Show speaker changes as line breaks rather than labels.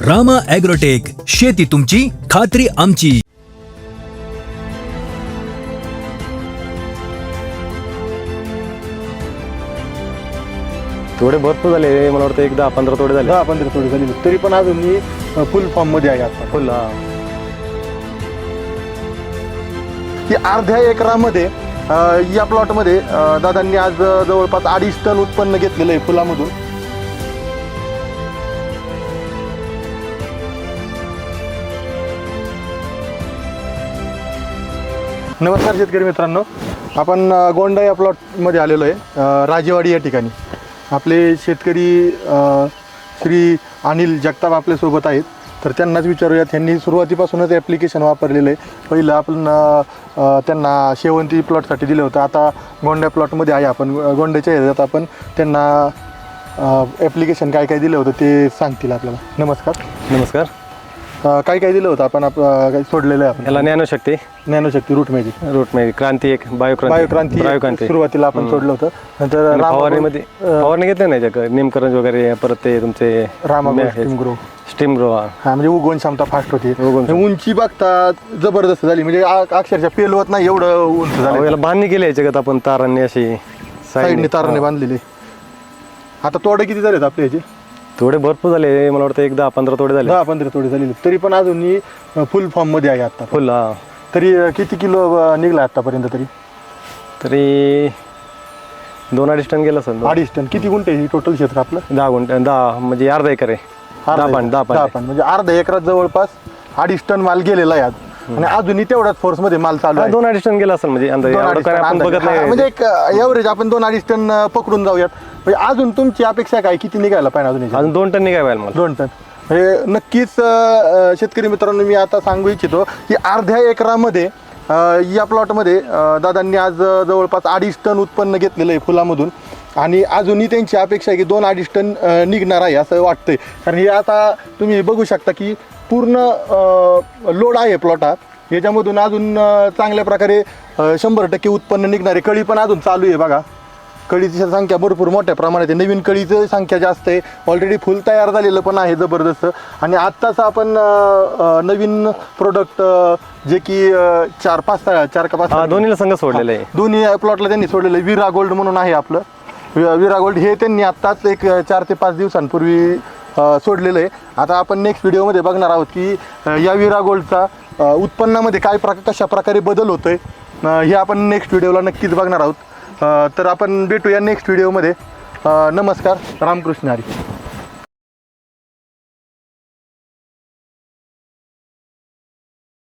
Rama agrotech, शेती तुमची, खात्री आमची.
थोडे भरपूर झाले, मला वाटतं 10-15 तोडे झाले.
10-15 तोडे झाली, तरी पण अजून मी फुल फॉर्म मध्ये आहे आता.
फुल
की अर्ध्या एकरामध्ये या प्लॉटमध्ये दादांनी आज जवळपास 2.5 टन उत्पन्न घेतलेलं आहे फुलामधून. नमस्कार शेतकरी मित्रांनो, आपण गोंडा या प्लॉटमध्ये आलेलो आहे, राजेवाडी या ठिकाणी. आपले शेतकरी श्री अनिल जगताप आपल्यासोबत आहेत, तर त्यांनाच विचारूयात. त्यांनी सुरुवातीपासूनच ॲप्लिकेशन वापरलेलं आहे. पहिलं आपण त्यांना शेवंती प्लॉटसाठी दिलं होतं, आता गोंड्या प्लॉटमध्ये आहे. आपण गोंड्याच्या ह्याच्यात आपण त्यांना ॲप्लिकेशन काय काय दिलं होतं ते सांगतील आपल्याला. नमस्कार.
नमस्कार.
काय काय दिलं होतं आपण काय सोडलेलं आहे आपण?
याला
ज्ञानशक्ती, रूट मॅजिक,
क्रांती एक, बायोक्रांती
सुरुवातीला आपण सोडलं होतं. नंतर
फवारणी घेतली नाही त्याच्यात, नेमकरण वगैरे, परत ते तुमचे स्टीम ग्रो.
हा, म्हणजे उगवण क्षमता फास्ट होती. उंची बघता जबरदस्त झाली, म्हणजे अक्षरशः पेलवत नाही एवढं उंच झालं.
याला बांधणी केली आहे जगात आपण तारांनी, अशी
साईडने ताराने बांधलेली. आता तोडे किती झालेत आपले याचे?
थोडे भरपूर झाले, मला वाटतं 10-15 तोडे झाले.
10-15 तोडे झालेले, तरी पण अजून मी फुल फॉर्म मध्ये आहे आता.
फुल
तरी किती किलो निघला आतापर्यंत?
तरी 2-2.5 टन गेला असेल.
2.5 टन. किती गुंठे आहे टोटल क्षेत्र आपलं?
10 गुंठे, 10 म्हणजे अर्धा एकर आहे.
10 म्हणजे अर्धा एकरात जवळपास 2.5 टन माल गेलेला आहे आज, आणि अजूनही तेवढाच फोर्स मध्ये माल चालू आहे.
2-2.5 टन गेला असेल, म्हणजे आपण बघत नाही.
म्हणजे एक एव्हरेज आपण 2-2.5 टन पकडून जाऊयात. म्हणजे अजून तुमची अपेक्षा काय, किती निघायला पाहिजे?
अजून 2 टन निघायला मला.
2 टन. म्हणजे नक्कीच शेतकरी मित्रांनो, मी आता सांगू इच्छितो की अर्ध्या एकरामध्ये या प्लॉटमध्ये दादांनी आज जवळपास 2.5 टन उत्पन्न घेतलेलं आहे फुलामधून, आणि अजूनही त्यांची अपेक्षा आहे की 2-2.5 टन निघणार आहे असं वाटतंय. कारण हे आता तुम्ही बघू शकता की पूर्ण लोड आहे प्लॉट हा. याच्यामधून अजून चांगल्या प्रकारे 100% उत्पन्न निघणार आहे. कळी पण अजून चालू आहे बघा. कळीची संख्या भरपूर मोठ्या प्रमाणात आहे. नवीन कळीची संख्या जास्त आहे. ऑलरेडी फुल तयार झालेलं पण आहे जबरदस्त. आणि आत्ताच आपण नवीन प्रोडक्ट जे की 4-5
दोन्हीला संघ सोडलेलं आहे.
दोन्ही प्लॉटला त्यांनी सोडलेलं आहे. विरा गोल्ड म्हणून आहे आपलं. विरा गोल्ड हे त्यांनी आत्ताच एक 4 ते 5 दिवसांपूर्वी सोडलेलं आहे. आता आपण नेक्स्ट व्हिडिओमध्ये बघणार आहोत की या विरा गोल्डचा उत्पन्नामध्ये कशा प्रकारे बदल होतोय, हे आपण नेक्स्ट व्हिडिओला नक्कीच बघणार आहोत. तर आपण भेटूया नेक्स्ट व्हिडिओमध्ये. नमस्कार. रामकृष्ण हरी.